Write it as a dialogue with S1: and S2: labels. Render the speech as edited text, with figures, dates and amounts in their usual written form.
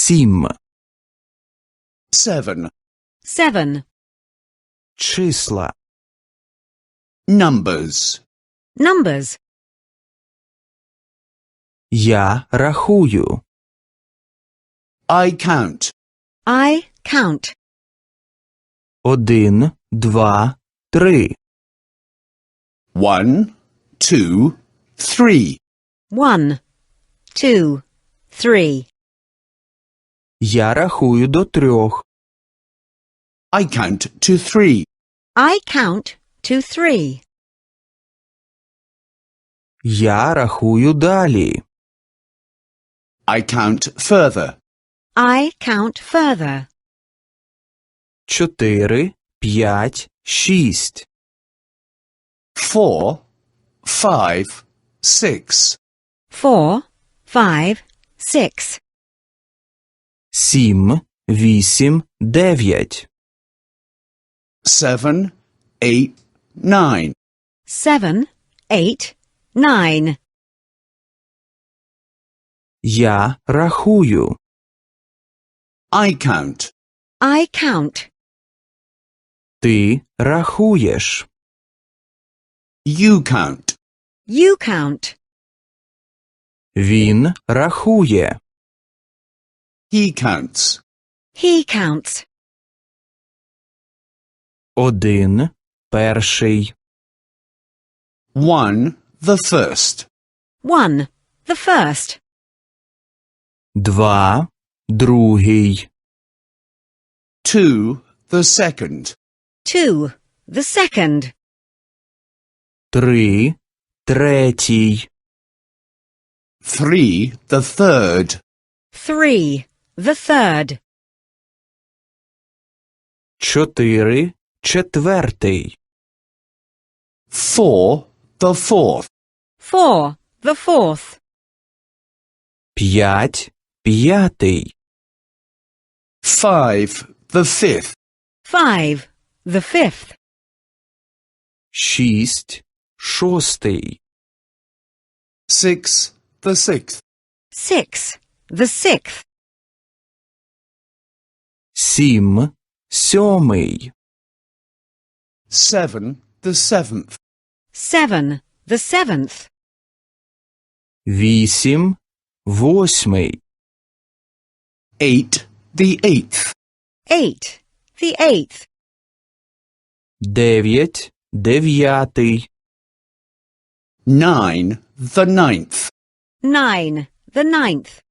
S1: 7.
S2: 7.
S3: 7.
S1: Числа.
S2: Numbers.
S3: Numbers.
S1: Я рахую.
S2: I count.
S3: I count.
S1: 1, 2, 3.
S2: 1, 2, 3.
S3: 1, 2, 3.
S1: Я рахую до 3.
S2: I count to 3.
S3: I count to 3.
S1: Я рахую далі.
S2: I count further.
S3: I count further.
S1: 4, 5, 6.
S2: 4, 5, 6.
S3: 4, 5, 6.
S1: 7, 8, 9.
S2: 7, 8, 9.
S3: 7, 8, 9.
S1: Я рахую.
S2: I count.
S3: I count.
S1: Ти рахуєш.
S2: You count.
S3: You count.
S1: Він рахує.
S2: He counts.
S3: He counts.
S1: 1, перший.
S2: 1, the first.
S3: 1, the first.
S1: 2, другий.
S2: 2, the second.
S3: 2, the second.
S1: 3, третій.
S2: 3, the third.
S3: 3, the third.
S1: 4, четвертий.
S2: 4, the fourth.
S3: 4, the fourth.
S1: 5, п'ятий.
S2: 5, the fifth.
S3: 5, the fifth.
S1: 6, шостий.
S2: 6, the sixth.
S3: 6, the sixth.
S1: 7, сьомий.
S2: 7, the seventh.
S3: 7, the seventh.
S1: 8, восьмий.
S2: 8, the eighth.
S3: 8, the eighth.
S1: 9, дев'ятий.
S2: 9, the ninth.
S3: 9, the ninth.